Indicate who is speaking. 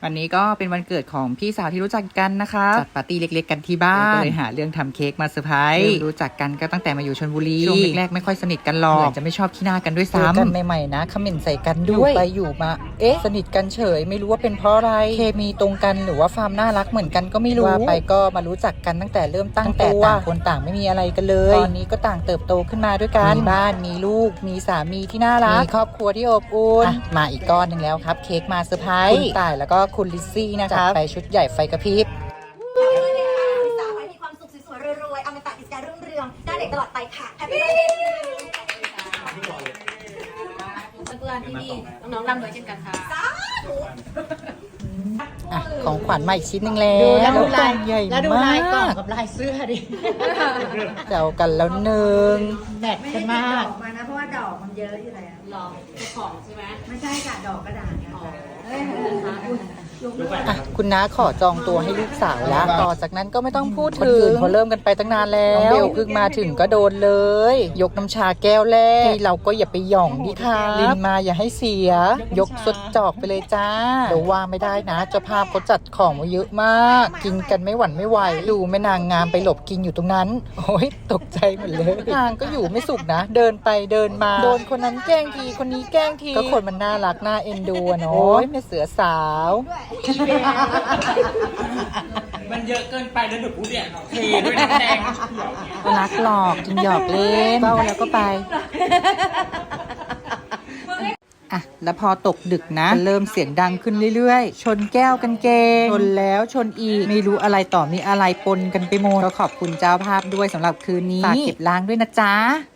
Speaker 1: วันนี้ก็เป็นวันเกิดของพี่สาวที่รู้จักกันนะคะจัดปาร์ตี้เล็กๆกันที่บ้านก็เลยหาเรื่องทำเค้กมาเซอร์ไพรส์รู้จักกันก็ตั้งแต่มาอยู่ชลบุรีช่วงแรกๆไม่ค่อยสนิทกันหรอกจะไม่ชอบขี้หน้ากันด้วยซ้ำกันใหม่ๆนะคอมเมนต์ใส่กันด้วยไปอยู่มาสนิทกันเฉยไม่รู้ว่าเป็นเพราะอะไรเคมีตรงกันหรือว่าความน่ารักเหมือนกันก็ไม่รู้ว่าไปก็มารู้จักกันตั้งแต่เริ่มตั้งตัวต่างคนต่างไม่มีอะไรกันเลยตอนนี้ก็ต่างเติบโตขึ้นมาด้วยกันมีบ้านมีลูกมีสามีที่น่ารักมีครอบครัวที่อบอุ่นมาอีกก้อนนึงแล้วครับเค้กมาเซอร์ไพรส์คุณต่ายแล้วก็คุณลิซซี่นะคะไปชุดใหญ่ไฟกระพริบ
Speaker 2: สาวให้มีความสุขสวยๆรวยๆเอามาตัดกิจการรุ่งเรืองได้เด็กตลอดไปค่ะแฮปปี้เบิร์ดเดย์
Speaker 3: เพื่อนๆที่นี่น้องๆร่ำรวยเช่นกันค่ะ
Speaker 1: ของขวัญใหม่ชิ้นหนึ่งแล้วแล้วดูลายใหญ่มากแล้วดูลายกล่องกับลายเสื้อดิแซวกันแล้วหนึ่งแมทกันมาก
Speaker 2: มานะเพราะว่าดอกมันเยอะอยู่แล้ว
Speaker 3: หลอกเจ้าของใช่ไหม
Speaker 2: ไม่ใช่ค่ะดอกกระดาษค่ะ
Speaker 1: คุณน้าขอจองตัวให้ลูกสาวแล้วต่อจากนั้นก็ไม่ต้องพูดถึงพอเริ่มกันไปตั้งนานแล้วเบลเพิ่งมาถึงก็โดนเลยยกน้ำชาแก้วแรกเราก็อย่าไปหย่องดิค่ะลินมาอย่าให้เสียยกสดจอกไปเลยจ้าเดี๋ยวว่าไม่ได้นะเจ้าภาพเขาจัดของมาเยอะมากกินกันไม่หวั่นไม่ไหวดูแม่นางงามไปหลบกินอยู่ตรงนั้นโอ้ยตกใจหมดเลยนางก็อยู่ไม่สุขนะเดินไปเดินมาโดนคนนั้นแกล้งทีคนนี้แกล้งทีก็คนมันน่ารักน่าเอ็นดูเนาะแม่เสือสาว
Speaker 4: มันเยอะเกินไปแล้วหนูพูดเนี่ยเทด้วยน้ำแดง
Speaker 1: รักหลอกจริงหยอกเล่นเบ้าแล้วก็ไปอ่ะแล้วพอตกดึกนะเริ่มเสียงดังขึ้นเรื่อยๆชนแก้วกันเกงชนแล้วชนอีกไม่รู้อะไรต่อมีอะไรปนกันไปหมดก็ขอบคุณเจ้าภาพด้วยสำหรับคืนนี้ฝากเก็บล้างด้วยนะจ๊ะ